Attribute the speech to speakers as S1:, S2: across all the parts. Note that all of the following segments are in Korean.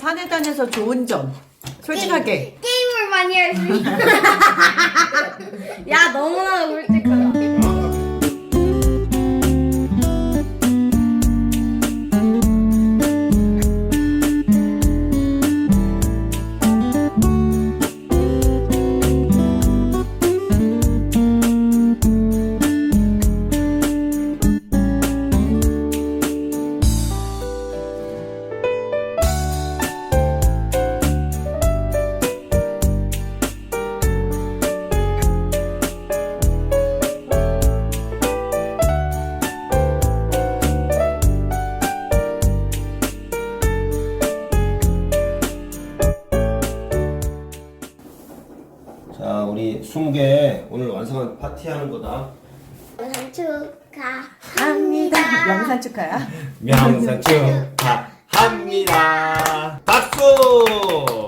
S1: 산에 다녀서 좋은 점. 솔직하게.
S2: 게임을 많이 할 수 있어. 야, 너무나 솔직하다.
S3: 자, 우리 20개 오늘 완성한 파티하는 거다.
S2: 생일 축하합니다.
S1: 영상 축하야.
S3: 명상 축하합니다. 박수!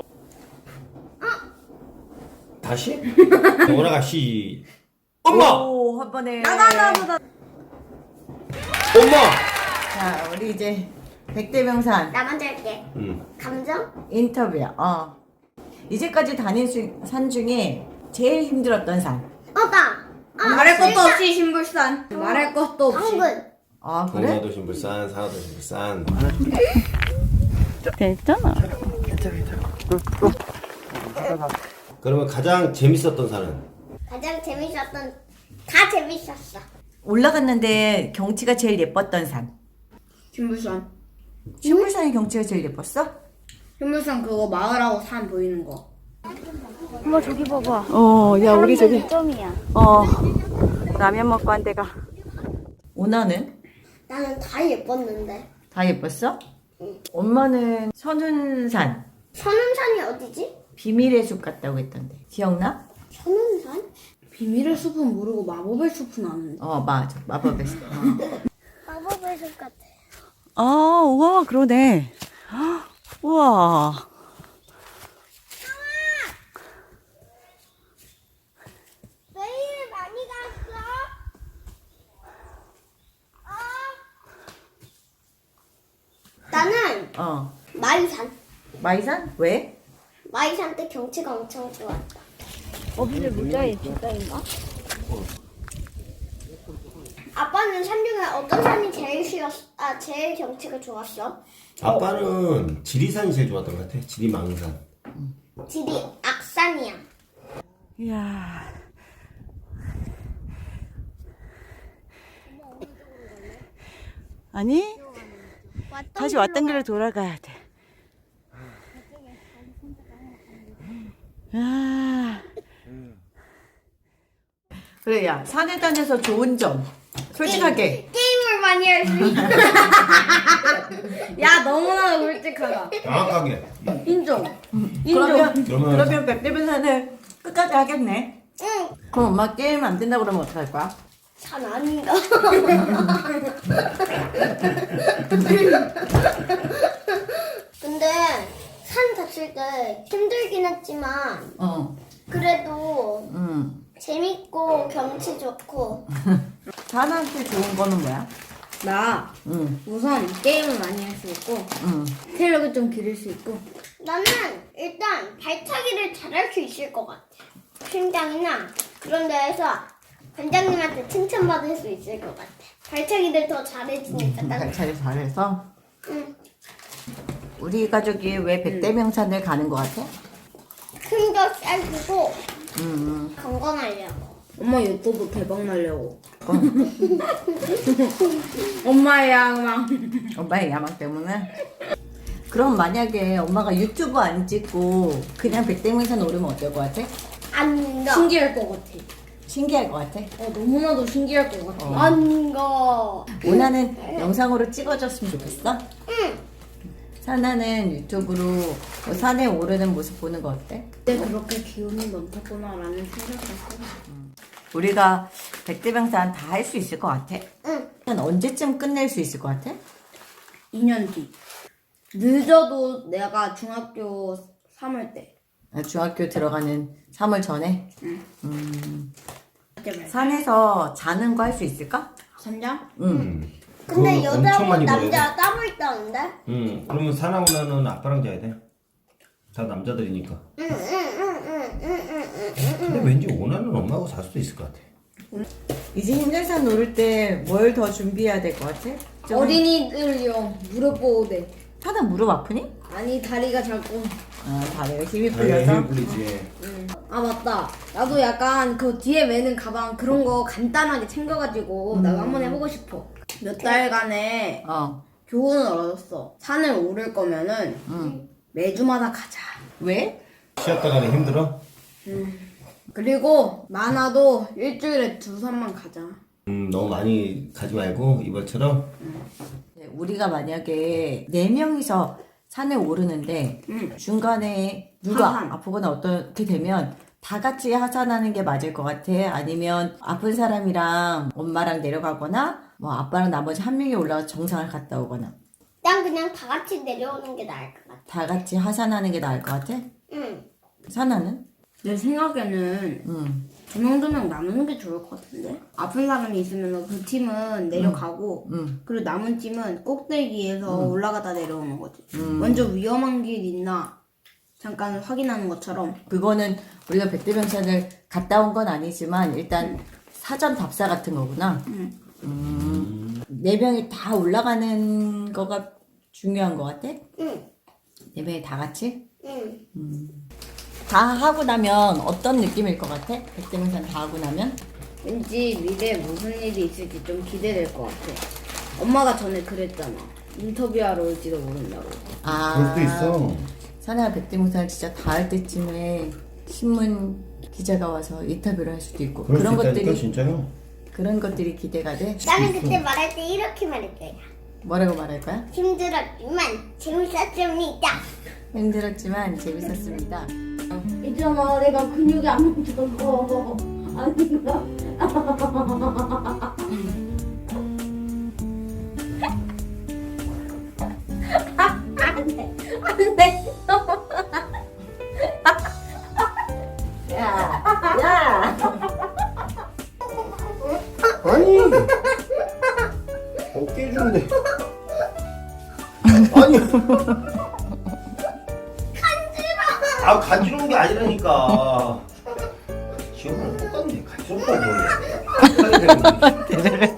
S3: 다시? 오라가 시. 엄마!
S1: 오, 한 번에.
S2: 나도.
S3: 엄마!
S1: 자, 우리 이제 백대명산
S2: 나 먼저 할게. 감정?
S1: 인터뷰야. 이제까지 다닌 산 중에 제일 힘들었던 산.
S2: 나. 말할 것도 없이 신불산. 말할 것도 없이. 당근.
S1: 아, 그래?
S3: 동해도 신불산, 산하도 신불산.
S1: 됐잖아.
S3: 그러면 가장 재밌었던 산은?
S2: 가장 재밌었던 다 재밌었어.
S1: 올라갔는데 경치가 제일 예뻤던 산.
S4: 신불산.
S1: 신물산의 경치가 제일 예뻤어?
S4: 신불산 그거 마을하고 산 보이는 거.
S2: 엄마 저기 봐봐.
S1: 야, 우리 저기.
S2: 점이야.
S1: 라면 먹고 한 데가. 오나는?
S2: 나는 다 예뻤는데.
S1: 다 예뻤어? 엄마는 선운산.
S2: 선운산이 어디지?
S1: 비밀의 숲 갔다고 했던데. 기억나?
S2: 선운산?
S4: 비밀의 숲은 모르고 마법의 숲은 아는데.
S1: 맞아. 마법의 숲.
S2: 마법의 숲 같아.
S1: 우와, 그러네. 우와.
S2: 내일 많이 갔어? 나는 마이산.
S1: 마이산? 왜?
S2: 마이산 때 경치가 엄청 좋았다.
S4: 근데 모자에 진짜인가?
S2: 아빠는 산 중에 어떤 산이 제일 경치가 좋았어?
S3: 아빠는 지리산이 제일 좋았던 것 같아. 지리망산.
S2: 지리 악산이야.
S1: 이야. 아니, 다시 왔던 길로 돌아가야 돼. 그래, 야, 산에 다녀서 좋은 점. 솔직하게.
S2: 게임을 많이 할 수 있어.
S4: 야, 너무나 솔직하다.
S3: 정확하게.
S4: 인정.
S1: 그러면 백대변산을 끝까지 하겠네.
S2: 응.
S1: 그럼 엄마 게임 안 된다 그러면 어떡할 거야?
S2: 산 아닌가? 근데 산 갔을 때 힘들긴 했지만 그래도 재밌고 경치 좋고.
S1: 산한테 좋은 거는 뭐야?
S4: 나 우선 게임을 많이 할 수 있고 체력을 좀 기를 수 있고
S2: 나는 일단 발차기를 잘할 수 있을 것 같아. 심장이나 그런 데에서 관장님한테 칭찬받을 수 있을 것 같아. 발차기를 더 잘해주니까.
S1: 발차기 잘해서?
S2: 응.
S1: 우리 가족이 왜 백대명산을 가는 거 같아?
S2: 큰거 쌀고 건강하려고.
S4: 엄마 유튜브 대박 날려고. 엄마의 야망.
S1: 엄마의 야망 때문에? 그럼 만약에 엄마가 유튜브 안 찍고 그냥 백대명산 오르면 어떨 것 같아?
S2: 안 가.
S4: 신기할 것 같아.
S1: 신기할 것 같아?
S4: 너무나도 신기할 것 같아.
S2: 안 가.
S1: 오나는 영상으로 찍어줬으면 좋겠어?
S2: 응.
S1: 사나는 유튜브로 산에 오르는 모습 보는 거 어때?
S4: 그때 그렇게 기운이 넘쳤구나라는 생각했어.
S1: 우리가 백대명산 다 할 수 있을 것 같아?
S2: 응.
S1: 언제쯤 끝낼 수 있을 것 같아?
S4: 2년 뒤. 늦어도 내가 중학교 3월 때.
S1: 중학교 들어가는 3월 전에?
S4: 그때 말.
S1: 산에서 자는 거 할 수 있을까?
S4: 선장?
S1: 응.
S2: 근데
S3: 그거 엄청
S2: 여자하고
S3: 많이
S2: 남자 따로 있다는데?
S3: 그러면 사나우나는 아빠랑 자야 돼. 다 남자들이니까. 근데 왠지 오나는 엄마하고 잘 수도 있을 것 같아.
S1: 이제 힘들산 노를 때 뭘 더 준비해야 될 것 같아? 좀
S4: 어린이들용 무릎 보호대.
S1: 하다 무릎 아프니?
S4: 아니 다리가 자꾸.
S1: 아 다리가 힘이 풀려서?
S3: 힘 풀리지.
S4: 아 맞다. 나도 약간 그 뒤에 매는 가방 그런 거 간단하게 챙겨가지고 나도 한번 해보고 싶어. 몇 달간의 교훈을 얻었어. 산을 오를 거면은 매주마다 가자.
S1: 왜?
S3: 쉬었다 가면 힘들어?
S4: 그리고 많아도 일주일에 2산만 가자.
S3: 너무 많이 가지 말고 이번처럼.
S1: 우리가 만약에 4명이서 산에 오르는데 중간에 누가
S4: 하산.
S1: 아프거나 어떻게 되면 다 같이 하산하는 게 맞을 것 같아? 아니면 아픈 사람이랑 엄마랑 내려가거나 뭐 아빠랑 나머지 한 명이 올라가서 정상을 갔다 오거나
S2: 난 그냥 다 같이 내려오는 게 나을 것 같아.
S1: 다 같이 하산하는 게 나을 것 같아?
S2: 응.
S1: 사나는?
S4: 내 생각에는 두 명 나누는 게 좋을 것 같은데? 아픈 사람이 있으면 그 팀은 내려가고 그리고 남은 팀은 꼭대기에서 올라가다 내려오는 거지. 먼저 위험한 길 있나 잠깐 확인하는 것처럼.
S1: 그거는 우리가 백대병산을 갔다 온 건 아니지만 일단 사전 답사 같은 거구나. 4명이 다 올라가는 거가 중요한 것 같아?
S2: 응.
S1: 4명이 다 같이?
S2: 응.
S1: 다 하고 나면 어떤 느낌일 것 같아? 백대명산 다 하고 나면?
S4: 왠지 미래에 무슨 일이 있을지 좀 기대될 것 같아. 엄마가 전에 그랬잖아. 인터뷰하러 올지도 모른다고.
S1: 아,
S3: 그럴 수도 있어.
S1: 사나가 백대명산을 진짜 다 할 때쯤에 신문 기자가 와서 인터뷰를 할 수도 있고
S3: 그럴 수
S1: 그런
S3: 있다니까
S1: 것들이
S3: 진짜요.
S1: 그런 것들이 기대가 돼.
S2: 나는 그때 말할 때 이렇게 말할 거야.
S1: 뭐라고 말할 거야?
S2: 힘들었지만 재밌었습니다.
S1: 힘들었지만 재밌었습니다.
S4: 있잖아, 내가 근육이 안 뭉쳐서 아닌가? 안 돼.
S1: 야!
S3: 아니 어깨 주는데. 아니. 아 간지러운 게 아니라니까. 지금은 똑같네. 간지럽다고.